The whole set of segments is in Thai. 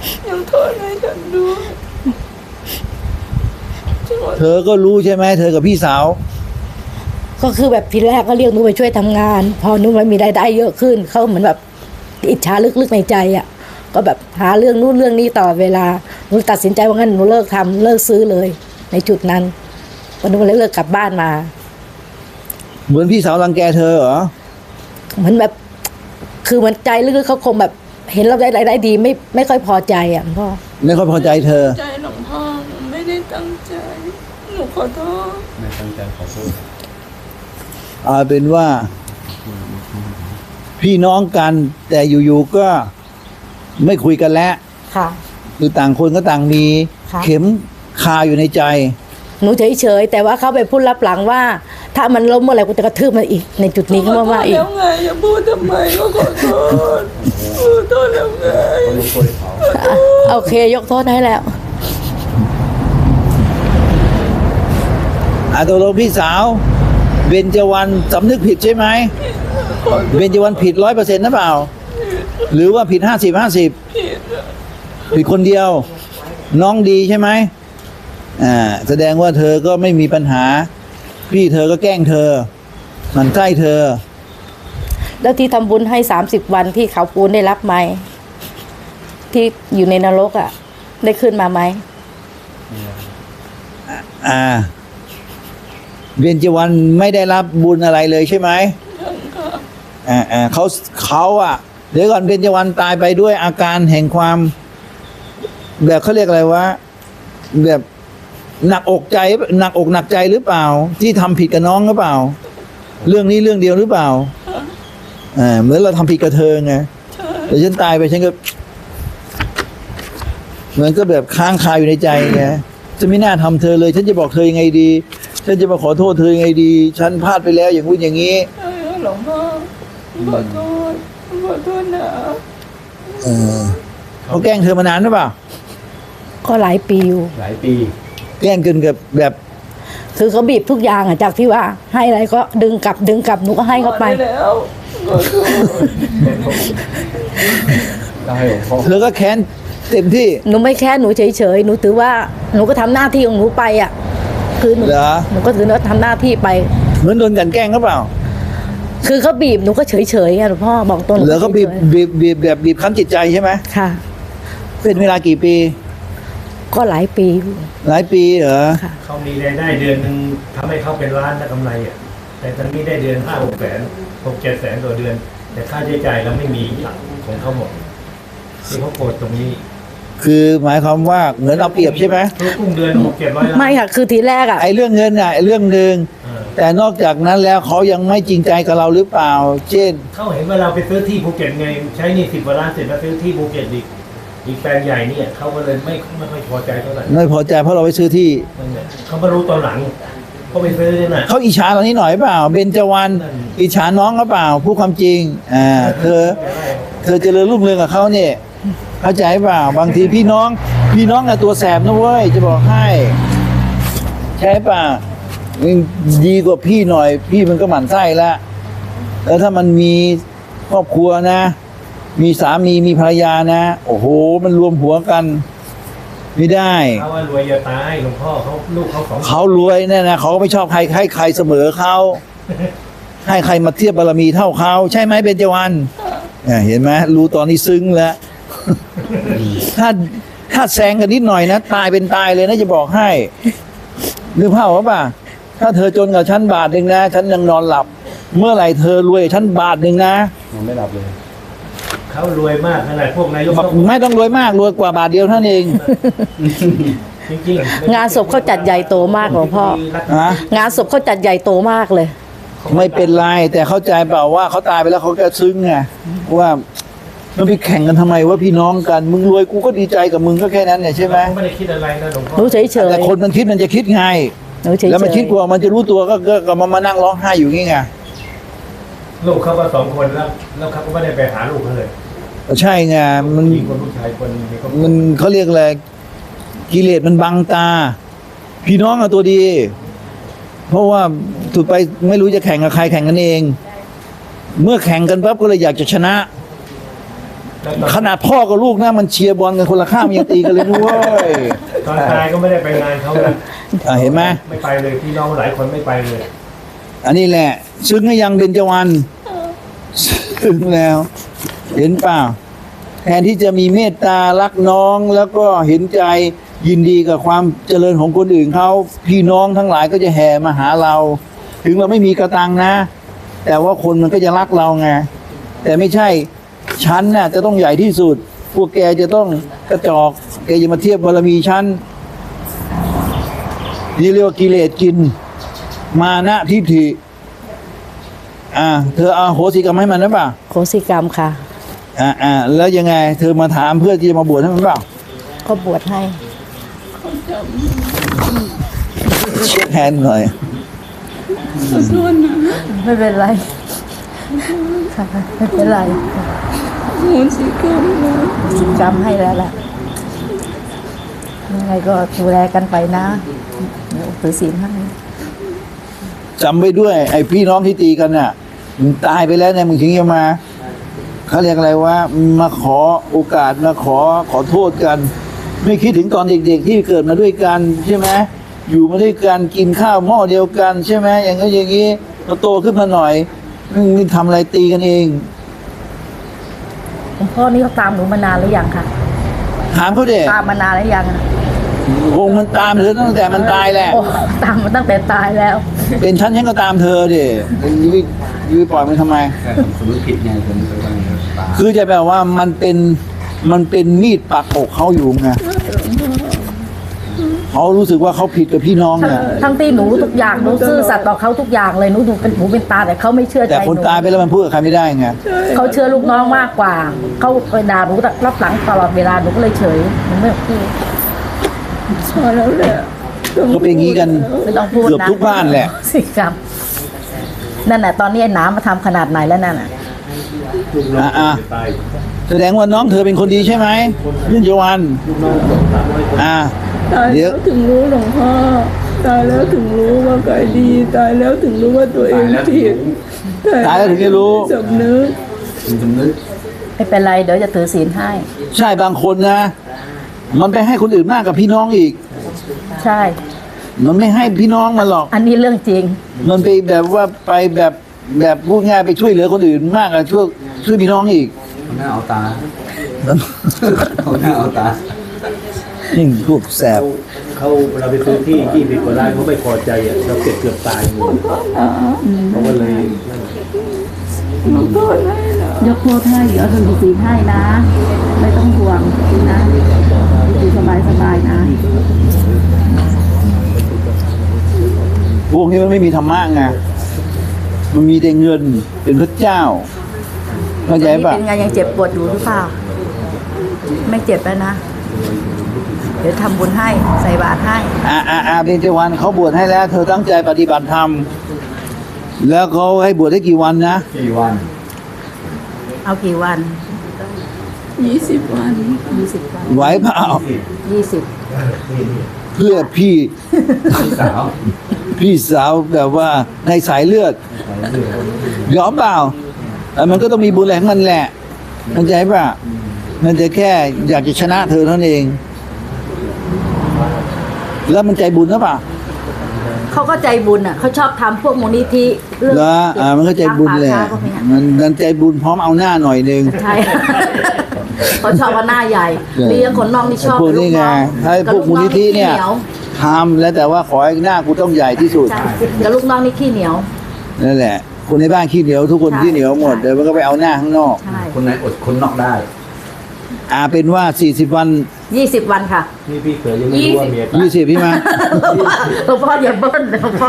ยังโทษให้ฉันด้วยเธอก็รู้ใช่ไหมเธอกับพี่สาวก็คือแบบทีแรกก็เรียกหนูไปช่วยทำงาน พอหนูไม่มีรายได้เยอะขึ้นเขาเหมือนแบบอิจฉาลึกๆในใจอ่ะก็แบบหาเรื่องนู้นเรื่องนี้ต่อเวลาหนูตัดสินใจว่างั้นหนูเลิกทำเลิกซื้อเลย ในจุดนั้นวันนู้นเลยเลิกกลับบ้านมาเหมือนพี่สาวรังแกเธอเหรอเหมือนแบบคือมันใจลึกๆเขาคงแบบเห็นเราได้รายได้ดีไม่ค่อยพอใจอ่ะพ่อไม่ค่อยพอใจเธอใจหลวงพ่อหนูไม่ได้ตั้งใจหนูขอโทษไม่ตั้งใจขอโทษเอาเป็นว่า พี่น้องกัน แต่อยู่ๆก็ไม่คุยกันแล้วค่ะคือต่างคนก็ต่างมีค่ะเข็มคาอยู่ในใจหนูเฉยๆแต่ว่าเขาไปพูดรับหลังว่า ถ้ามันล้มเมื่อไหร่กูจะกระทืบมันอีกในจุดนี้เขาว่าอีกแล้วไงอย่าพูดทำไมก็ขอโทษขอโทษแล้วไงเขาลงโทษเขาโอเคยกโทษให้แล้วตกลงพี่สาวเบญจวรรณสำนึกผิดใช่ไหมเบญจวรรณผิด100%นะเปล่า หรือว่าผิด50-50ผิดคนเดียว น้องดีใช่ไหมแสดงว่าเธอก็ไม่มีปัญหา พี่เธอก็แกล้งเธอหมันใกล้เธอแล้วที่ทำบุญให้30 วันที่เขาปูนได้รับไหมที่อยู่ในนรกอ่ะ ได้ขึ้นมาไหมเบญจวรรณไม่ได้รับบุญอะไรเลยใช่ไหมเขาเดี๋ยวก่อนเบญจวรรณตายไปด้วยอาการแห่งความแบบเขาเรียกอะไรวะแบบหนักอกใจหนักอกหนักใจหรือเปล่า ที่ทำผิดกับน้องหรือเปล่า เรื่องนี้เรื่องเดียวหรือเปล่าเหมือนเราทำผิดกับเธอไงแต่ฉันตายไปฉันก็เหมือนก็แบบค้างคาอยู่ในใจไงจะไม่น่าทำเธอเลย ฉันจะบอกเธอยังไงดีฉันจะมาขอโทษเธอยังไงดี ฉันพลาดไปแล้วอย่างนู้นอย่างนี้หลวงพ่อขอโทษขอโทษนะเขาแกล้งเธอมานานหรือเปล่าก็หลายปีอยู่หลายปีแกล้งเกินกับแบบคือเขาบีบทุกอย่างอ่ะจากที่ว่า ให้อะไรก็ดึงกลับหนูก็ให้เขาไปแล้วขอโทษได้ให้หลวงพ่อเธอก็แค้นเต็มที่หนูไม่แค่หนูเฉยๆหนูถือว่าหนูก็ทำหน้าที่ของหนูไปอ่ะคือหนูเหรอหนูก็ถือว่าทำหน้าที่ไปเหมือนโดนกลันแกล้งหรือเปล่าคือเขาบีบหนูก็เฉยๆอ่ะหลวงพ่อบอกตรงเหลือเขาบีบฉยแบบบีบคั้นจิตใจใช่ไหมๆค่ะเป็นเวลากี่ปีก็หลายปีอยู่หลายปีเหรอค่ะเขามีรายได้เดือนหนึ่งทำให้เขาเป็นล้านนะกำไรอ่ะแต่ตอนนี้ได้เดือน5-6 แสน6-7 แสนต่อเดือน แต่ค่าใช้จ่ายเราไม่มีของเขาหมดที่เขาโกรธตรงนี้คือหมายความว่าเหมือนเอาเปรียบใช่ไหมทุกกุ้งเดือน600-700 ล้านไม่ค่ะคือทีแรกอ่ะไอ้เรื่องเงินไอ้เรื่องหนึ่งเออแต่นอกจากนั้นแล้วเขายังไม่จริงใจกับเราหรือเปล่า เช่นเขาเห็นว่าเราไปซื้อที่ภูเก็ตไงใช้หนี่10 กว่าล้านเสร็จมาซื้อที่ภูเก็ตอีกแปลงใหญ่เนี่ยเขาก็เลยไม่ค่อยพอใจเท่าไหร่ไม่พอใจเพราะเราไปซื้อที่นั่นแหละเขามารู้ตอนหลังเขาไปซื้อเนี่ยนะเขาอิจฉาเรานี้หน่อยเปล่าเบญจวรรณอิจฉาน้องหรือเปล่าพูดความจริงเธอเจริญรุ่งเรืองกับเขาเนี่ยเข้าใจเปล่าบางทีพี่น้องอะตัวแสบนะเว้ยจะบอกให้ใช่ป่ะดีกว่าพี่หน่อย พี่มันก็หมั่นไส้แล้วถ้ามันมีครอบครัวนะ มีสามีมีภรรยานะโอ้โหมันรวมหัวกัน ไม่ได้เขาว่ารวยจะตายหลวงพ่อเขาลูกเขา2 คนเขารวยเนี่ยนะเขาก็ไม่ชอบใครให้ใครเสมอเขาให้ใครมาเทียบบารมีเท่าเขาใช่ไหมเบญจวรรณเห็นไหมรู้ตอนนี้ซึ้งแล้ว ถ้าแซงกันนิดหน่อยนะตายเป็นตายเลยนะจะบอกให้นึกภาพว่าป่ะถ้าเธอจนกับฉันบาทหนึ่งนะฉันยังนอนหลับ เมื่อไหร่เธอรวยฉันบาทหนึ่งนะมันไม่หลับเลยเขารวยมากขนาดพวกนายกไม่ต้องรวยมากรวยกว่าบาทเดียวเท่านั้นเองจริงๆงานศพเขาจัดใหญ่โตมากหลวงพ่อฮะงานศพเขาจัดใหญ่โตมากเลยไม่เป็นไรแต่เข้าใจเปล่าว่าเขาตายไปแล้วเขาก็ซึ้งไงว่ามันไปแข่งกันทำไมว่าพี่น้องกันมึงรวยกูก็ดีใจกับมึงก็แค่นั้นเนี่ยใช่ไหมเขาไม่ได้คิดอะไรนะหลวงพ่อหนูเฉยๆแต่คนมันคิดมันจะคิดไงหนูเฉยๆแล้วมันคิดกลัวมันจะรู้ตัวก็มานั่งร้องไห้อยู่งี้ไงลูกเขาก็2 คนแล้วเขาก็ไม่ได้ไปหาลูกเขาเลยใช่ไงมันยิงคนลูกชายคนนี้ก็มันเขาเรียกอะไรกิเลสมันบังตา พี่น้องอะตัวดี เพราะว่าถูกไปไม่รู้จะแข่งกับใครแข่งกันเอง เมื่อแข่งกันปั๊บก็เลยอยากจะชนะขนาดพ่อกับลูกนะมันเชียร์บอลกันคนละข้างมันยังตีกันเลยนะเว้ยตอนตายก็ไม่ได้ไปงานเขานะเห็นไหมไม่ไปเลยพี่น้องหลายคนไม่ไปเลยอันนี้แหละ ซึ้งหรือยังเบญจวรรณซึ้งแล้ว เห็นเปล่าแทนที่จะมีเมตตารักน้องแล้วก็เห็นใจยินดีกับความเจริญของคนอื่นเขาพี่น้องทั้งหลายก็จะแห่มาหาเรา ถึงเราไม่มีกระตังนะ แต่ว่าคนมันก็จะรักเราไงแต่ไม่ใช่ฉันน่ะจะต้องใหญ่ที่สุด พวกแกจะต้องกระจอกแกจะมาเทียบบารมีฉันนี่เรียกว่ากิเลสกิน มานะทิฏฐิเธอเอาโหสิกรรมให้มันหรือเปล่าโคสิกรรมค่ะแล้วยังไง เธอมาถามเพื่อที่จะมาบวชให้มันเปล่าก็บวชให้เช็คแฮนด์หน่อยขอโทษนะไม่เป็นไรค่ะไม่เป็นไรโหสิกรรมนะสิกรรมให้แล้วล่ะยังไงก็ดูแลกันไปนะเดี๋ยวถือศีลให้จำไว้ด้วย ไอ้พี่น้องที่ตีกันน่ะมึงตายไปแล้วเนี่ยมึงถึงจะมาเขาเรียกอะไรว่ามาขอโอกาสมาขอโทษกัน ไม่คิดถึงตอนเด็กๆที่เกิดมาด้วยกันใช่ไหมอยู่มาด้วยกันกินข้าวหม้อเดียวกันใช่ไหมอย่างนั้นอย่างนี้พอโตขึ้นมาหน่อยมึงทำอะไรตีกันเองหลวงพ่อนี่เขาตามหนูมานานหรือยังคะถามเขาเด็กตามมานานหรือยังอะคงมันตามเธอตั้งแต่มันตายแหละโอ้ตามมาตั้งแต่ตายแล้วเป็นฉันก็ตามเธอดิยื้อปล่อยมันทำไมแค่ผมสมมติผิดไงผมไปวางตาคือจะแบบว่ามันเป็นมีดปักอกเขาอยู่ไงเขารู้สึกว่าเขาผิดกับพี่น้องเนี่ยทั้งที่หนูทุกอย่างหนูซื่อสัตย์ต่อเขาทุกอย่างเลยหนูดูเป็นหูเป็นตาแต่เขาไม่เชื่อใจแต่หคนนูตายไปแล้วมันพูดกับใครไม่ได้ไงเขาเชื่อลูกน้องมากกว่าเขาเคยด่าหนูรับหลังตลอดเวลาหนูก็เลยเฉยหนูไม่พูดพอแล้วแหละก็เป็นอย่างนี้กันไม่ต้องพูดนะเกือบทุกบ้านแหละสิครับนั่นแหละตอนนี้ไอ้น้ำมาทำขนาดไหนแล้วนั่นน่ะลูกน้องอ่ะตายแสดงว่าน้องเธอเป็นคนดีใช่ไหมยื่นจวันลูกน้อง300 คนตายเดี๋ยแล้ว วถึงรู้หลวงพ่อตายแล้วถึงรู้ว่ากายดีตายแล้วถึงรู้ว่าตัวเองผิดตายแล้วถึงจะรู้สำนึกผมสำนึกไม่เป็นไรเดี๋ยวจะถือศีลให้ใช่บางคนนะ มันไปให้คนอื่นมากกับพี่น้องอีกใช่มันไม่ให้พี่น้องมันหรอกอันนี้เรื่องจริงมันไปแบบว่าไปแบบพูดง่ายไปช่วยเหลือคนอื่นมากอะช่วยพี่น้องอีกเอาหน้าเอาตาเอาหน้าเอาตานี่พวกแสบเขาเราไปซื้อที่ผิดกฎหมายเขาไม่พอใจอ่ะเราเกือบตายเลยเขาก็เลยนั่นขอโทษให้นะยกโทษให้เดี๋ยวถือศีลให้นะ ไม่ต้องห่วงนะอยู่สบายๆนะพวกนี้มันไม่มีธรรมะไงมันมีแต่เงินเป็นพระเจ้าเข้าใจนี่ป่ะเป็นไงยังเจ็บปวดอยู่หรือเปล่า ไม่เจ็บแล้วนะ เดี๋ยวทำบุญให้ใส่บาตรให้เบญจวรรณเขาบวชให้แล้ว เธอตั้งใจปฏิบัติธรรมแล้วเขาให้บวชได้กี่วันนะกี่วันเอากี่วัน 20 วัน 20 วันไหวเปล่า 20 เพื่อพี่พี่สาวพี่สาวแบบว่าในสายเลือดยอมเปล่ามันก็ต้องมีบุญแหลงมันแหละเข้าใจป่ะมันจะแค่อยากจะชนะเธอเท่านั้นเอง แล้วมันใจบุญหรือเปล่าเขาก็ใจบุญอ่ะเขาชอบทำพวกมูลนิธิเรื่องแล้วมันก็ใจบุญแหละป่าช้าพวกเนี้ยมันใจบุญพร้อมเอาหน้าหน่อยนึงใช่ เขาชอบว่าหน้าใหญ่ใช่มีอย่างคนนอกนี่ชอบพวกนี้ไงให้พวกมูลนิธิเนี่ยทำแล้วแต่ว่าขอให้หน้ากูต้องใหญ่ที่สุดใช่กับลูกน้องนี่ขี้เหนียวนั่นแหละ คนในบ้านขี้เหนียวทุกคนใช่ขี้เหนียวหมดใช่เดี๋ยวมันก็ไปเอาหน้าข้างนอกใช่คนไหนอดคนนอกได้เป็นว่า40 วัน 20 วันค่ะนี่พี่เขยยังไม่รู้ว่าเมียตาย 20พี่มาหลวงพ่ออย่าเบิ้ลหลวงพ่อ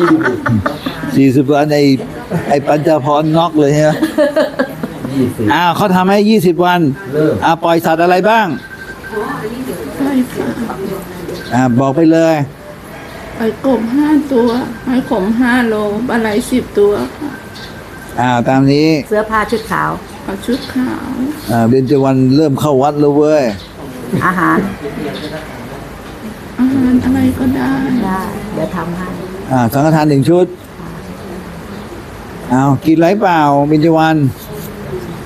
40 วันไอ้ปัญจพรน็อกเลยใช่ไหม 20 เขาทำให้20 วันเริ่มปล่อยสัตว์อะไรบ้างใช่ค่ะบอกไปเลยไปกบ5 ตัวไม้ขม5 โลปลาไหล10 ตัวค่ะตามนี้เสื้อผ้าชุดขาวเอาชุดขาวเบญจวรรณเริ่มเข้าวัดแล้วเว้ยอาหารอาหารอะไรก็ได้ได้เดี๋ยวทำให้สังฆทาน1 ชุดกินไรเปล่าเบญจวรรณ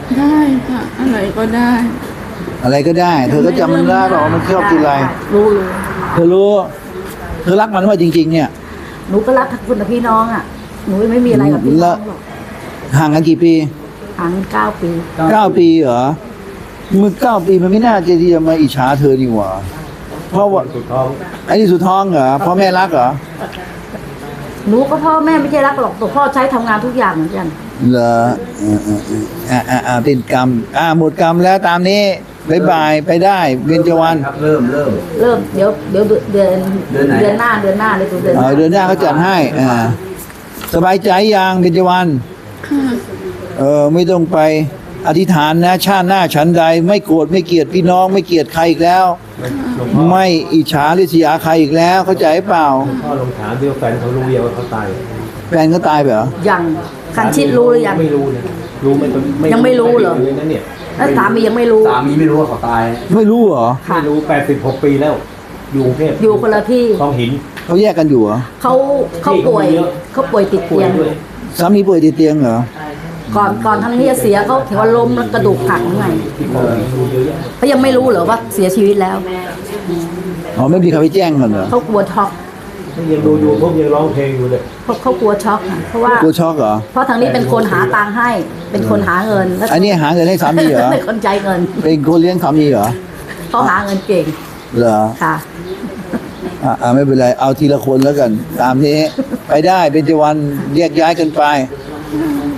ได้ค่ะ อะไรก็ได้อะไรก็ได้ เธอก็จำมันได้หรอกมันชอบกินอะไรรู้เธอรู้ เธอรักมันว่าจริงๆเนี่ยหนูก็รักคุณกับพี่น้องอ่ะหนูไม่มีอะไรกับพี่น้องหรอกห่างกันกี่ปีห่าง9 ปี 9 ปีเหรอมึง9 ปีมันไม่น่าจะที่จะมาอิจฉาเธอนี่หว่า เพราะว่าสุดท้องไอ้นี่สุดท้องเหรอพ่อแม่รักเหรอหนูก็พ่อแม่ไม่ใช่รักหรอกแต่พ่อใช้ทำงานทุกอย่างเหมือนกันเหรอเป็นกรรมหมดกรรมแล้วตามนี้บายบายไปได้เบญจวรรณครับเริ่มเริ่มเดี๋ยวเดือนเดือนไหนเดือนหน้าเลยดูเดือนหน้าเดือนหน้าเขาจัดให้สบายใจยังเบญจวรรณค่ะไม่ต้องไปอธิษฐานนะชาติหน้าฉันใด ไม่โกรธไม่เกลียดพี่น้องไม่เกลียดใครอีกแล้วหลวงพ่อไม่อิจฉาริษยาใครอีกแล้ว เข้าใจเปล่าพ่อลงถามเดียวแฟนเขารู้เดียวว่าเขาตายแฟนเขาตายไปเหรอยังคันชิดรู้หรือยังไม่รู้นะรู้ไหมยังไม่รู้เหรอนั่นเนี่ยแล้วสามียังไม่รู้สามีไม่รู้ว่าเขาตายไม่รู้เหรอค่ะไม่รู้86 ปีแล้ว อยู่กรุงเทพอยู่คนละที่คลองหินเขาแยกกันอยู่เหรอเขาป่วยเขาป่วยติดป่วเตียยงด้วยสามีป่วยติดเตียงเหรอก่อนทั้งนี้จะเสียเขาถือว่าล้มแล้วกระดูกหักไงที่คลองหินรู้เยอะแยะเขายังไม่รู้เหรอว่าเสียชีวิตแล้วอ๋อไม่มีใครไปแจ้งกันเหรอเขากลัวช็อกยังดูอยู่พวกยังร้องเพลงอยู่เลยเขากลัวช็อกค่ะเพราะว่ากลัวช็อกเหรอเพราะทางนี้เป็นคนหาตังค์ให้ เป็นคนหาเงินแล้วอันนี้หาเงินให้สามีเหรอเป็นคนใจเงินเป็นคนเลี้ยงสามีเหรอเขาหาเงินเก่งเหรอค่ะไม่เป็นไรเอาทีละคนแล้วกัน ตามนี้ ไปได้เป็นจวันแยกย้ายกันไป